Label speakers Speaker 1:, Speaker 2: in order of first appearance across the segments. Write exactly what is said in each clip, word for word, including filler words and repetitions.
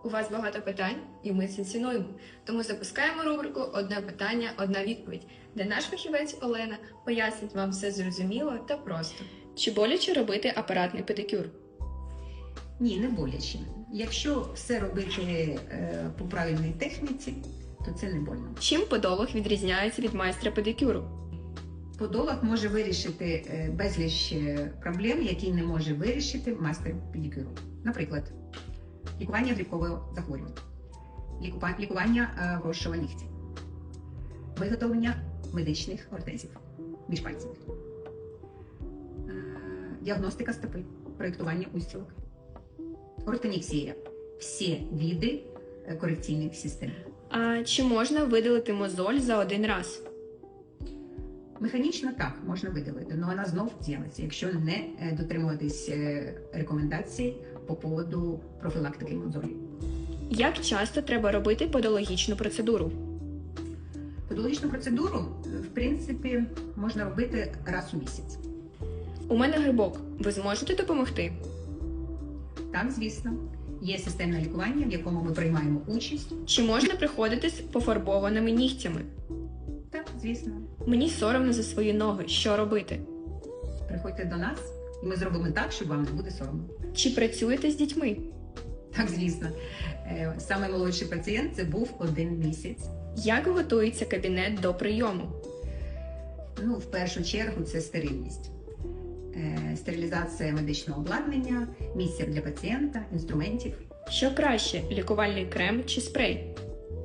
Speaker 1: У вас багато питань, і ми це цінуємо. Тому запускаємо рубрику «Одне питання, одна відповідь», де наш фахівець Олена пояснить вам все зрозуміло та просто. Чи боляче робити апаратний педикюр?
Speaker 2: Ні, не боляче. Якщо все робити е, по правильній техніці, то це не больно.
Speaker 1: Чим подолог відрізняється від майстра педикюру?
Speaker 2: Подолог може вирішити е, безліч е, проблем, які не може вирішити майстер педикюру. Наприклад, лікування грибкового захворювання, лікува- лікування е, вросшого нігтя, виготовлення медичних ортезів між пальців, е, діагностика стопи, проєктування устілок, ортоніксія – всі види е, корекційних систем.
Speaker 1: А чи можна видалити мозоль за один раз?
Speaker 2: Механічно так, можна видалити, але вона знов з'явиться, якщо не е, дотримуватись е, рекомендацій по поводу профілактики мозолі.
Speaker 1: Як часто треба робити подологічну процедуру?
Speaker 2: Подологічну процедуру, е, в принципі, можна робити раз у місяць.
Speaker 1: У мене грибок. Ви зможете допомогти?
Speaker 2: Так, звісно, є системне лікування, в якому ми приймаємо участь.
Speaker 1: Чи можна приходити з пофарбованими нігтями?
Speaker 2: Так, звісно,
Speaker 1: Мені соромно за свої ноги. Що робити?
Speaker 2: приходьте до нас, і ми зробимо так, щоб вам не буде соромно.
Speaker 1: Чи працюєте з дітьми?
Speaker 2: Так, звісно. Е, Саме молодший пацієнт це був один місяць.
Speaker 1: Як готується кабінет до прийому?
Speaker 2: Ну, в першу чергу, це стерильність. Е, Стерилізація медичного обладнання, місця для пацієнта, інструментів.
Speaker 1: Що краще, лікувальний крем чи спрей?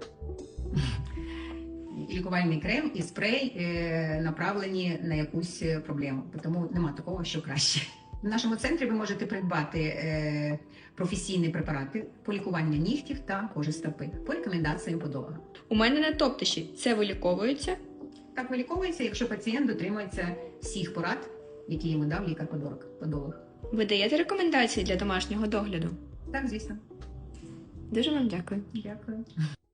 Speaker 2: Лікувальний крем і спрей е, направлені на якусь проблему, тому нема такого, що краще. В нашому центрі ви можете придбати е, професійні препарати по лікуванню нігтів та кожи стопи по рекомендаціям подолога.
Speaker 1: У мене на топтиші. Це виліковується?
Speaker 2: Так виліковується, якщо пацієнт дотримується всіх порад, які йому дав лікар-подолог.
Speaker 1: Ви даєте рекомендації для домашнього догляду?
Speaker 2: Так, звісно.
Speaker 1: Дуже вам дякую.
Speaker 2: Дякую.